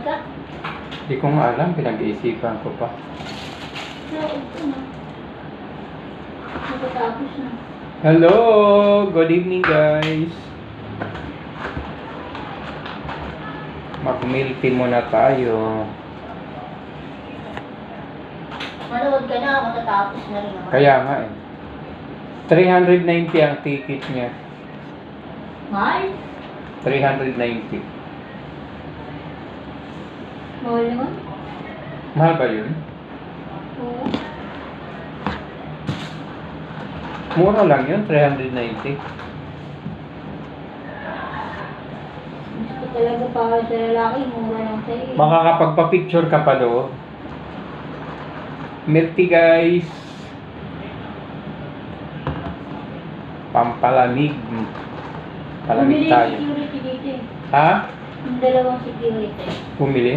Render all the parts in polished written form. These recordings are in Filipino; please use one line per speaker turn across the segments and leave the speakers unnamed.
ka?
Hindi ko nga alam, pinag-iisipan ko pa.
Naog ko na. Nakatapos na.
Hello! Good evening, guys! Mag-milk tea muna tayo.
Manood ka na, matatapos na rin naman.
Kaya nga eh. 390 ang ticket niya.
Mahal?
390.
Mahal naman?
Mahal ba yun?
Oo.
Mura lang yun, 390.
Gusto talaga para sa lalaki, mura lang sa'yo.
Makakapagpa-picture ka pa doon. Milk tea, guys. Pampalamig. Palamig tayo.
Bumili security dito eh.
Ha?
Yung dalawang security.
Bumili?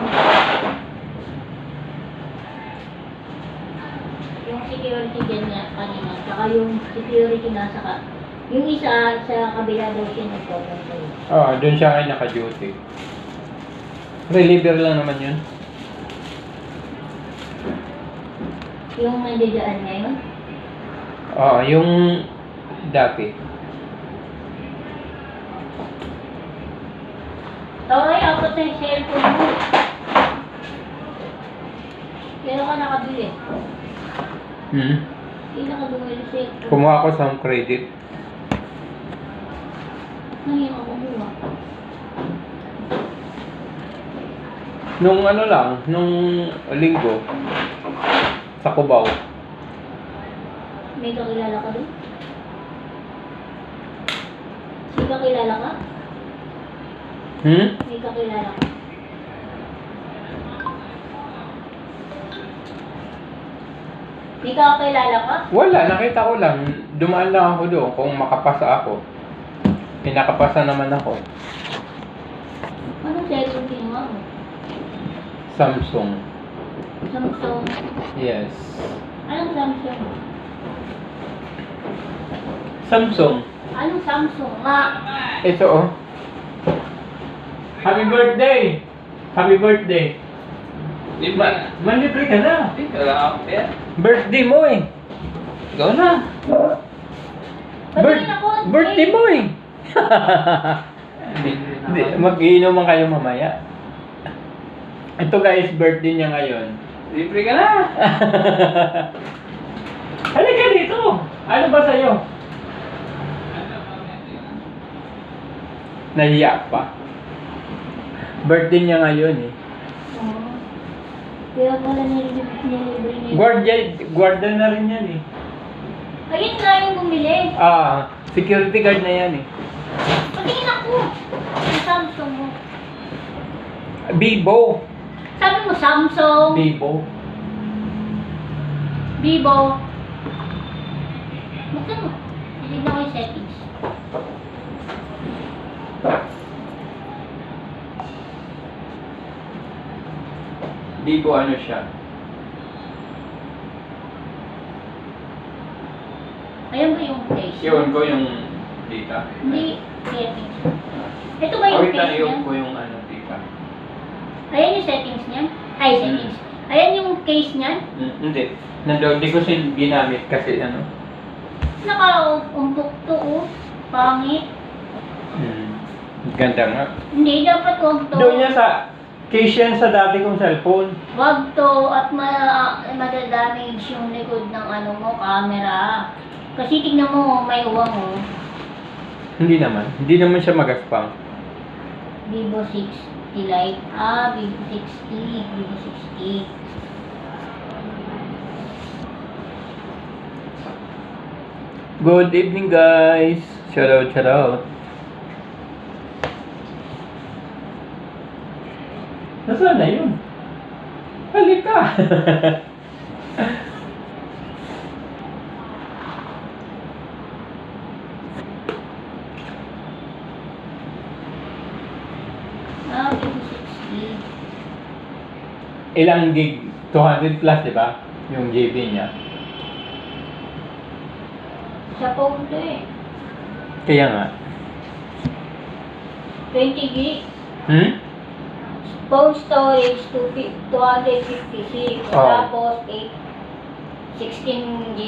Yung security dyan niya kanina, tsaka yung security nasa ka. Yung isa sa kabila daw siya nagpapang sa'yo.
Oo, doon siya ngayon naka-duty. Reliever lang naman yun.
Yung nandiyan ngayon?
Oo, yung dati.
Ay, apat na yung cellphone mo. Kailan ka nakabili? Kailan ka bumili cellphone?
Kumuha ako sa home credit.
Ngayon ako kumuha.
Nung ano lang, nung linggo, sa Cubao.
May kakilala ka doon? May kakilala ka? May kakilala ka? May kakilala ka?
Wala, nakita ko lang. Dumaan lang ako doon kung makapasa ako. Pinakapasa naman ako.
Anong cellphone kinuha mo?
Samsung.
Samsung.
Yes.
Anong Samsung?
Samsung.
Anong Samsung nga?
Ito oh. Happy birthday! Happy birthday! Manlibre ka na.
Wala ako kaya.
Birthday mo eh.
Ikaw na.
Patayin ako!
Birthday mo eh. Mag-iinuman kayo mamaya. Ito guys, birthday niya ngayon.
Libre ka na.
Halika dito. Ano ba sa'yo? Nahiya pa. Birthday niya ngayon eh.
Oo. Kaya pala nilibre niya.
Guardian na rin yan eh.
Ayun nga yung bumili.
Security guard na yan eh.
Patingin ako. Yung Samsung mo.
Vivo.
Sabi mo Samsung.
Vivo.
Vivo. Buksan mo. Tignan ko yung settings.
Vivo ano siya?
Ayan ba yung case?
Iwan ko yung data.
Hindi. Settings. Ito ba yung
Wait lang,
case
iwan
niya?
ko yung ano data.
Ayan yung settings niya? Ay, settings. Ayan yung case niya?
Hindi. Nandoon, di ko siya ginamit kasi ano.
Naka-umpok to, oh. Pangit.
Ganda nga.
Hindi, dapat wag to.
Doon niya sa case yan sa dati kong cellphone.
Wag to at madadamage yung likod ng ano mo, camera. Kasi tignan mo, may uwang mo.
Hindi naman. Hindi naman siya magaspang.
Vivo 60 Lite. Vivo 60. Vivo 60.
Good evening guys. Shout out, shout out. Nasaan na yun? Halika!
Vivo 60.
Ilang gig? 200 plus, di ba? Yung GB niya.
Sa phone to eh.
Kaya nga.
20 gig. phone storage 256.
Oh.
Tapos 16 GB